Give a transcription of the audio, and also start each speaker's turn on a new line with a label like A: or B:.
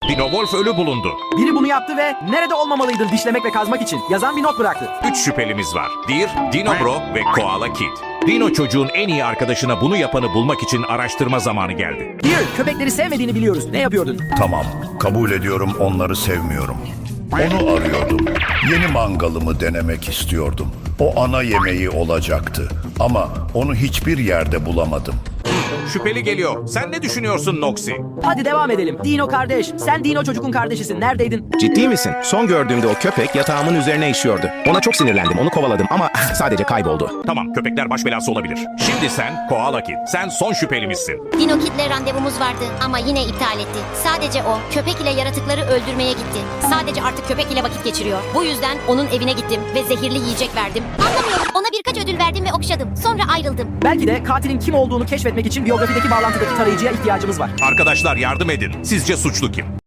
A: Dino Wolf ölü bulundu.
B: Biri bunu yaptı ve nerede olmamalıydın dişlemek ve kazmak için yazan bir not bıraktı.
A: 3 şüphelimiz var. Deer, Dino Bro ve Koala Kid. Dino çocuğun en iyi arkadaşına bunu yapanı bulmak için araştırma zamanı geldi.
B: Dear, köpekleri sevmediğini biliyoruz. Ne yapıyordun?
C: Tamam, kabul ediyorum onları sevmiyorum. Onu arıyordum. Yeni mangalımı denemek istiyordum. O ana yemeği olacaktı. Ama onu hiçbir yerde bulamadım.
A: Şüpheli geliyor. Sen ne düşünüyorsun Noxy?
B: Hadi devam edelim. Dino kardeş, sen Dino çocuğun kardeşisin. Neredeydin?
D: Ciddi misin? Son gördüğümde o köpek yatağımın üzerine işiyordu. Ona çok sinirlendim, onu kovaladım ama sadece kayboldu.
A: Tamam, köpekler baş belası olabilir. Şimdi sen Koala Kid. Sen son şüphelimizsin.
E: Dino Kid'le randevumuz vardı ama yine iptal etti. Sadece o köpek ile yaratıkları öldürmeye gitti. Sadece artık köpek ile vakit geçiriyor. Bu yüzden onun evine gittim ve zehirli yiyecek verdim. Anlamıyorum. Ona birkaç ödül verdim ve okşadım. Sonra ayrıldım.
B: Belki de katilin kim olduğunu keşfetmek için biyografideki bağlantıdaki tarayıcıya ihtiyacımız var.
A: Arkadaşlar yardım edin. Sizce suçlu kim?